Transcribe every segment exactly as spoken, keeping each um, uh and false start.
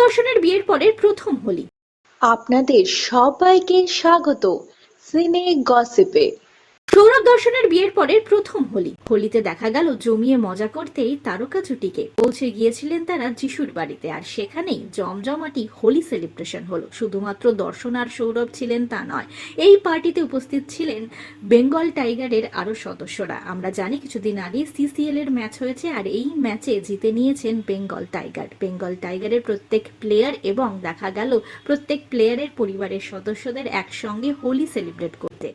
দর্শনের বিয়ের পরের প্রথম হোলি। আপনাদের সবাইকে স্বাগত সিনে গসিপে। সৌরভ দর্শনের বিয়ের পরের প্রথম হোলি। হোলিতে দেখা গেল জমিয়ে মজা করতেই তারকা জুটিকে পৌঁছে গিয়েছিলেন তারা যিশুর বাড়িতে, আর সেখানেই জমজমাটি হোলি সেলিব্রেশন হলো। শুধুমাত্র দর্শন আর সৌরভ ছিলেন তা নয়, এই পার্টিতে উপস্থিত ছিলেন বেঙ্গল টাইগারের আরো সদস্যরা। আমরা জানি কিছুদিন আগে সিসিএল এর ম্যাচ হয়েছে, আর এই ম্যাচে জিতে নিয়েছেন বেঙ্গল টাইগার। বেঙ্গল টাইগারের প্রত্যেক প্লেয়ার এবং দেখা গেল প্রত্যেক প্লেয়ারের পরিবারের সদস্যদের একসঙ্গে হোলি সেলিব্রেট করতে।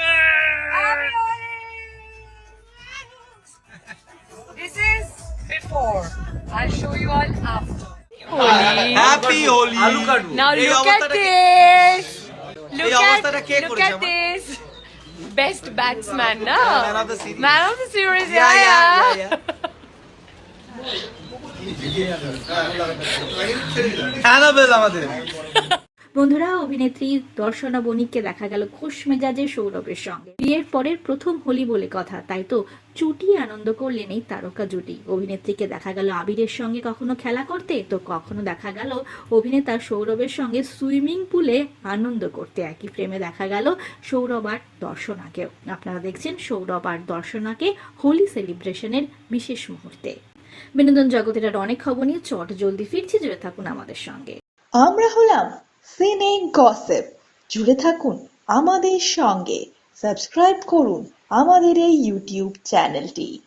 This is before. I'll show you all after. Holi. Happy Holi. Now look at this. Look at, look at this. Best batsman, no? Man of the series. Man of the series, Yeah, yeah, yeah, yeah. yeah, yeah. Annabelle আমাদের। বন্ধুরা, অভিনেত্রী দর্শনা বণিককে দেখা গেল খোশ মেজাজে সৌরভের সঙ্গে। বিয়ের পরের প্রথম হোলি বলে কথা, তাই তো চুটি আনন্দ করলেন এই তারকা জুটি। অভিনেত্রীকে দেখা গেল আবিরের সঙ্গে কখনো খেলা করতে, তো কখনো দেখা গেল অভিনেতা সৌরভের সঙ্গে সুইমিং পুলে আনন্দ করতে। একই ফ্রেমে দেখা গেল সৌরভ আর দর্শনাকেও। আপনারা দেখছেন সৌরভ আর দর্শনাকে হোলি সেলিব্রেশনের বিশেষ মুহূর্তে। বিনোদন জগতের আর অনেক খবর নিয়ে চট জলদি ফিরছি, জুড়ে থাকুন আমাদের সঙ্গে। আমরা হলাম সিনে গসিপ, জুড়ে থাকুন আমাদের সঙ্গে, সাবস্ক্রাইব করুন আমাদের এই ইউটিউব চ্যানেলটি।